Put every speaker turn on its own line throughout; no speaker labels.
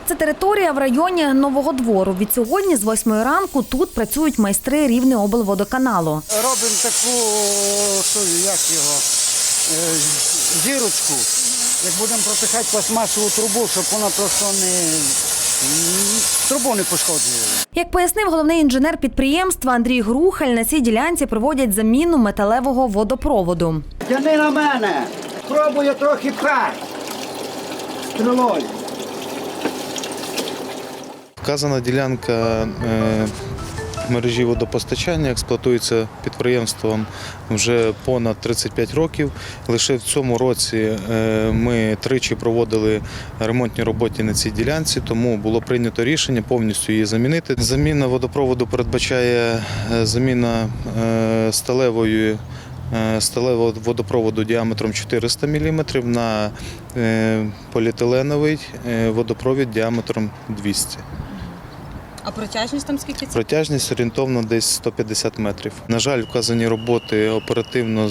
Це територія в районі Нового Двору. Відсьогодні з 8 ранку тут працюють майстри Рівнеоблводоканалу.
Робимо таку, зірочку. Як будемо протикати пластмасову трубу, щоб вона просто трубу не пошкоджувала.
Як пояснив головний інженер підприємства Андрій Грухаль, на цій ділянці проводять заміну металевого водопроводу.
Тяни на мене, пробую трохи пхати стрілою.
Вказана ділянка мережі водопостачання експлуатується підприємством вже понад 35 років. Лише в цьому році ми тричі проводили ремонтні роботи на цій ділянці, тому було прийнято рішення повністю її замінити. Заміна водопроводу передбачає заміна сталевого водопроводу діаметром 400 мм на поліетиленовий водопровід діаметром 200 мм.
А протяжність там скільки?
Протяжність орієнтовно десь 150 метрів. На жаль, вказані роботи оперативно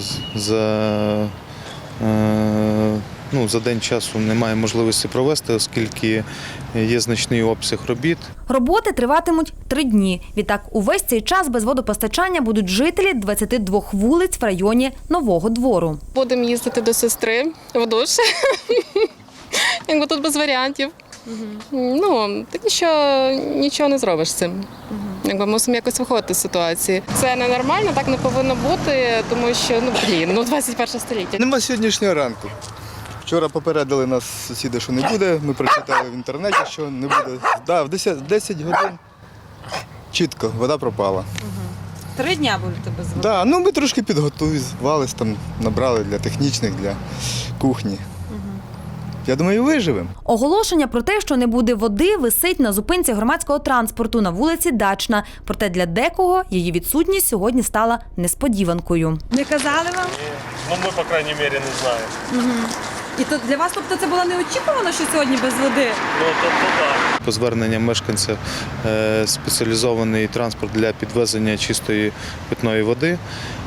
за день часу немає можливості провести, оскільки є значний обсяг робіт.
Роботи триватимуть 3 дні. Відтак, увесь цей час без водопостачання будуть жителі 22 вулиць в районі Нового Двору.
Будемо їздити до сестри в душ, якби тут без варіантів. Так нічого не зробиш з цим. Якби мусимо якось виходити з ситуації. Це ненормально, так не повинно бути, тому що 21 століття.
Нема сьогоднішнього ранку. Вчора попередили нас сусіди, що не буде. Ми прочитали в інтернеті, що не буде. В 10 годин чітко вода пропала.
3 дня будете без води?
Ми трошки підготувалися, набрали для технічних, для кухні. Я думаю, виживемо.
Оголошення про те, що не буде води, висить на зупинці громадського транспорту на вулиці Дачна. Проте для декого її відсутність сьогодні стала несподіванкою.
Не казали вам?
Ні. Ми, по крайній мірі, не знаємо.
І то для вас, тобто, це було неочікувано, що сьогодні без води?
Так.
По зверненням мешканців спеціалізований транспорт для підвезення чистої питної води.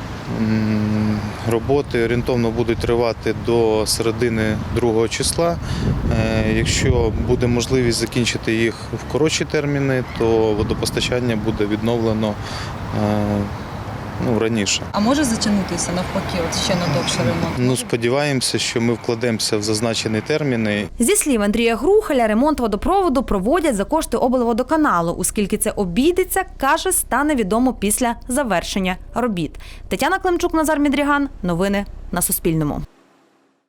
Роботи орієнтовно будуть тривати до середини 2 числа. Якщо буде можливість закінчити їх в коротші терміни, то водопостачання буде відновлено раніше.
А може затягнутися навпаки, ще на довший ремонт?
Сподіваємося, що ми вкладемося в зазначені терміни.
Зі слів Андрія Грухаля, ремонт водопроводу проводять за кошти облводоканалу. Оскільки це обійдеться, каже, стане відомо після завершення робіт. Тетяна Климчук, Назар Мідріган. Новини на Суспільному.